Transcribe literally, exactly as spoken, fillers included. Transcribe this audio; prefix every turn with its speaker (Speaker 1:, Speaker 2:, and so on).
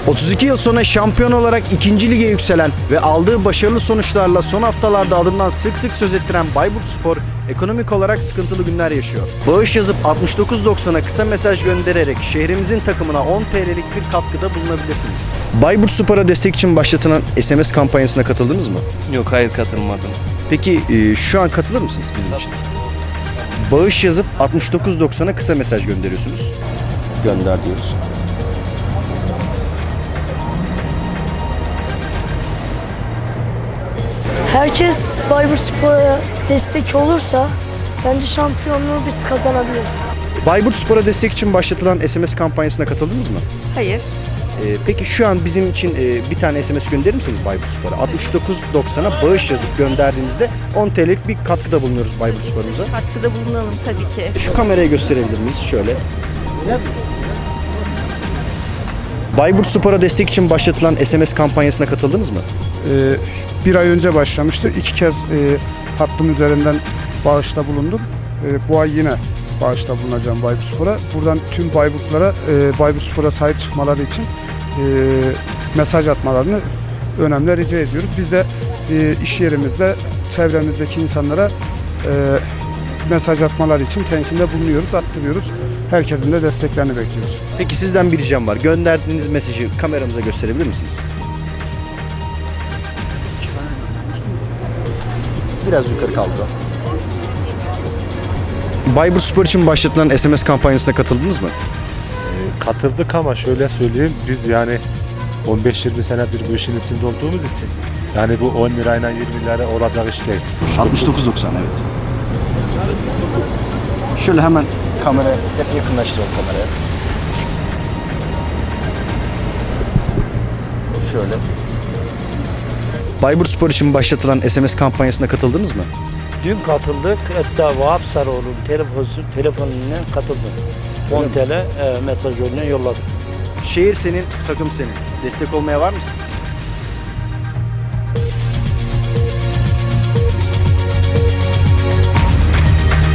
Speaker 1: otuz iki yıl sonra şampiyon olarak ikinci lige yükselen ve aldığı başarılı sonuçlarla son haftalarda adından sık sık söz ettiren Bayburtspor ekonomik olarak sıkıntılı günler yaşıyor. Bağış yazıp altmış dokuz doksana kısa mesaj göndererek şehrimizin takımına on T L'lik bir katkıda bulunabilirsiniz. Bayburtspor'a destek için başlatılan S M S kampanyasına katıldınız mı?
Speaker 2: Yok, hayır, katılmadım.
Speaker 1: Peki e, şu an katılır mısınız bizim için? Bağış yazıp altmış dokuz doksana kısa mesaj gönderiyorsunuz. Gönder diyoruz.
Speaker 3: Herkes Bayburtspor'a destek olursa bence şampiyonluğu biz kazanabiliriz.
Speaker 1: Bayburtspor'a destek için başlatılan S M S kampanyasına katıldınız mı?
Speaker 4: Hayır.
Speaker 1: Ee, peki şu an bizim için e, bir tane S M S gönderir misiniz Bayburtspor'a? altmış dokuz doksana bağış yazıp gönderdiğinizde on T L'lik bir katkıda bulunuyoruz Bayburtspor'umuza.
Speaker 4: Katkıda bulunalım tabii ki.
Speaker 1: Şu kameraya gösterebilir miyiz? Şöyle. Bayburtspor'a destek için başlatılan S M S kampanyasına katıldınız mı?
Speaker 5: Ee, bir ay önce başlamıştı. İki kez e, hattım üzerinden bağışta bulundum. E, bu ay yine bağışta bulunacağım Bayburtspor'a. Buradan tüm Bayburtlara e, Bayburtspor'a sahip çıkmaları için e, mesaj atmalarını önemli rica ediyoruz. Biz de e, iş yerimizde, çevremizdeki insanlara e, mesaj atmaları için tenkinde bulunuyoruz, attırıyoruz. Herkesin de desteklerini bekliyoruz.
Speaker 1: Peki sizden bir ricam var. Gönderdiğiniz mesajı kameramıza gösterebilir misiniz? Biraz yukarı kaldı o. Bayburtspor için başlatılan S M S kampanyasına katıldınız mı?
Speaker 6: Katıldık ama şöyle söyleyeyim, biz yani on beş yirmi senedir bu işin içinde olduğumuz için yani bu on lirayla yirmi lira olacak iş değil.
Speaker 1: altmış dokuz doksan evet. Şöyle hemen kameraya hep yakınlaştıralım kameraya. Şöyle. Bayburtspor için başlatılan S M S kampanyasına katıldınız mı?
Speaker 7: Dün katıldık. Hatta Vahap Sarıoğlu'nun telefonu, telefonundan katıldım. on T L e, mesaj yoluna yolladık.
Speaker 1: Şehir senin, takım senin. Destek olmaya var mısın?